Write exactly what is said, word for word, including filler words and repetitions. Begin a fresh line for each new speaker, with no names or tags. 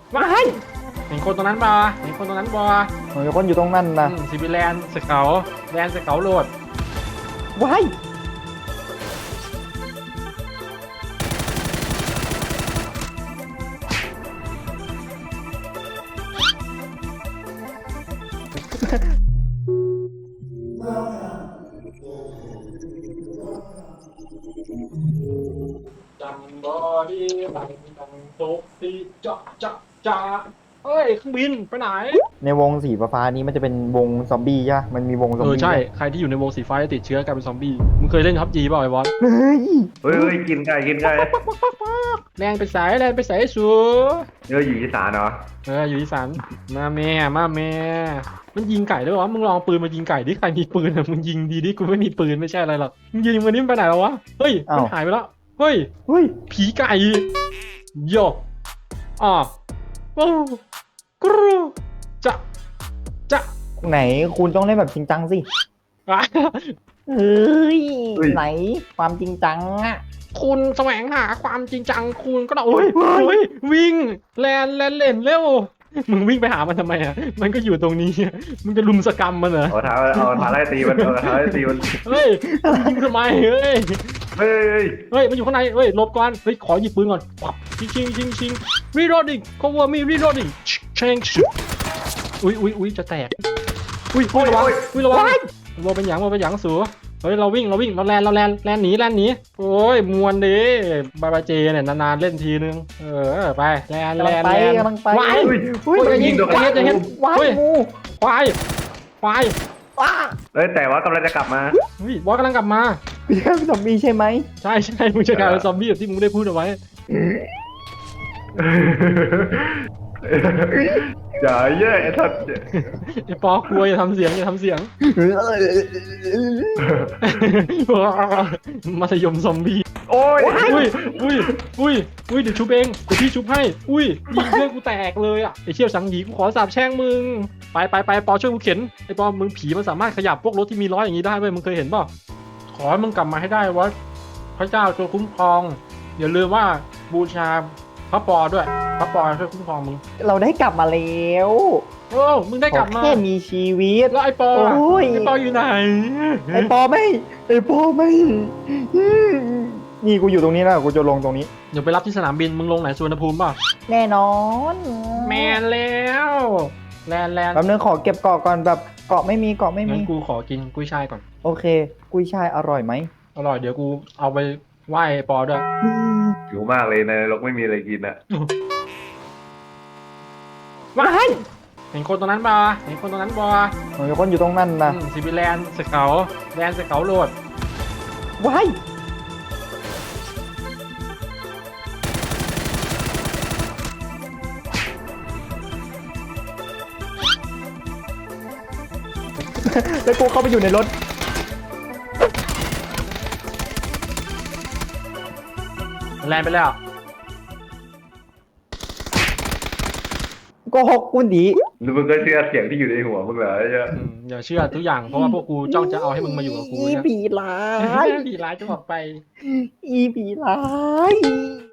ว้ายเห็นคนตรงนั้นบ่เห็นคนตรงนั้นบ่
มันมีคนอยู่ตรงนั้นนะ
ซิบิแลนด์สเกลแลนด์สเกลโหลด
ว้าย
จังบอดี้จังจังโต๊ะตีจ้าจ้าจ้าเอ้ยเครื่องบินไปไหน
ในวงสีฟ้านี้มันจะเป็นวงซอมบี้ใช่ไหมมันมีวงซอม
เออ
บี้
ใช่ใครที่อยู่ในวงสีฟ้าจะติดเชื้อกลายเป็นซอมบี้มึงเคยเล่นพับจีเปล่าไอ้บอส
เฮ้ย
เฮ้ยเฮ้ยกินไก่กินไก่
แรงไปสายแรงไปสายสู
เอออยู่อีสานเหรอ
เอออยู่อีสานมาแม่มาแม่มันยิงไก่ด้วยวะมึงลองปืนมายิงไก่ดิใครมีปืนอะมึงยิงดีดิกูไม่มีปืนไม่ใช่อะไรหรอกมึงยิงมันนี่ไปไหนแล้ววะเฮ้ยมันหายไปแล้วเฮ้ย
เฮ้ย
ผีไก่โยอ่ะโอ้กรูจะจะ
ไหนคุณต้องเล่นแบบจริงจังสิ
อ่ะ
เฮ้ยไหนความจริงจังอะ
คุณแสวงหาความจริงจังคุณก็ต้องโอ้ยโอ้ยวิ่งแลนแลนเล่นเร็วมึงวิ่งไปหามันทำไมอ่ะมันก็อยู่ตรงนี้มึงจะลุมสกรรมมันเหรอ
เอาเท้าเอาเท้าไล่ตีมันเอาเท้าไล่ตีมัน
เฮ้ยยิงทำไมเฮ้ย
เฮ้ย
เฮ้ยมันอยู่ข้างในเฮ้ยหลบก่อนเฮ้ยขอหยิบปืนก่อนปับชิงชิงชิงชิง reloading cover me reloading เชงอุ้ยอุ้ยอุ้ยจะแตกอุ้ยอุ้ยระวังอุ้ยระวังโมเป็นหยังโมเป็นหยังสูเฮ้ยเราวิ่งเราวิ่งเราแลนเราแลนแลนหนีแลนหนีโอ้ยมวนดิบาบาเจเนี่ยนานๆเล่นทีนึงเออไปแลนแลนแลน
กำลังไป
วาย
เฮ้ย
จะยิงจะเห็นจะเห็น
ว้าย
เฮ้ย
งู
ควายควาย
ว้า
เฮ้ยแต่ว่ากำลังจะกลับมา
เฮ้ยบอสกำลังกลับมา
พี่แค่ซอมบี้ใช่ไหม
ใช่ใช่มึงจะกลายเป็นซอมบี้แบบที่มึงได้พูดเอาไว้
อย่าเยอะไอ้ทัด
ไอ้ปอกลัวอย่าทำเสียงอย่าทำเสียง มัธยมซอมบี้
โอ้ย
อุ้ยอุ้ยอุ้ยอุ้ยเดี๋ยวชุบเองเดี๋ยวพี่ชุบให้อุ้ยยิงเพื่อนกูแตกเลยอ่ะไอ้เชี่ยวสังหยีกูขอสาบแช่งมึงไปไปไปปอช่วยกูเข็นไอ้ปอมึงผีมันสามารถขยับพวกรถที่มีล้ออย่างนี้ได้เว้ยมึงเคยเห็นป่ะขอให้มึงกลับมาให้ได้วะพระเจ้าช่วยคุ้มครองอย่าลืมว่าบูชาพระปอด้วยพระปอช่วยคุ้มครองมึง
เราได้กลับมาแล้ว
โอ้มึงได้กลับมา
แค่มีชีวิต
แล้วไอ้ปอล่ะ
โอ้ย
ไอ้ปออยู่ไหน
ไอปอไม่ไอปอไม่นี่กูอยู่ตรงนี้นะกูจะลงตรงนี้
เดี๋ยวไปรับที่สนามบินมึงลงไหนสุวรรณภูมิป่ะ
แน่นอน
แมนแล้วแลนแลน
แป๊บนึงขอเก็บเกาะก่อนแบบเกาะไม่มีเกาะไม่มี
งั้นกูขอกินกุ้ยช่ายก่อน
โอเค กุ้ยช่ายอร่อยไหม
อร่อยเดี๋ยวกูเอาไปไหว้ปอด้วย
หิวมากเลยในนรกไม่มีอะไรกินอ่ะ
ว้ายเห็นคนตรงนั้นป่ะเห็นคนตรงนั้นป่ะ
มันมีคนอยู่ตรงนั้นนะ
ซิบิแลนด์สเกลแลนด์สเกลโหลด
ว้ายแล้วกูเข้าไปอยู่ในรถ
แลนด์ไปแล้ว
โก็หกคุณดี
หรือมึงก็เชื่อเสียงที่อยู่ในหัวมึงเหรอไอ้เหี้ย
อืมอย่าเชื่อทุกอย่างเพราะว่าพวกกูจ้องจะเอาให้มึงมาอยู่กับกู
อี
นะ
ผีร้าย
ผีร้ายจะออกไป
อีผีร้าย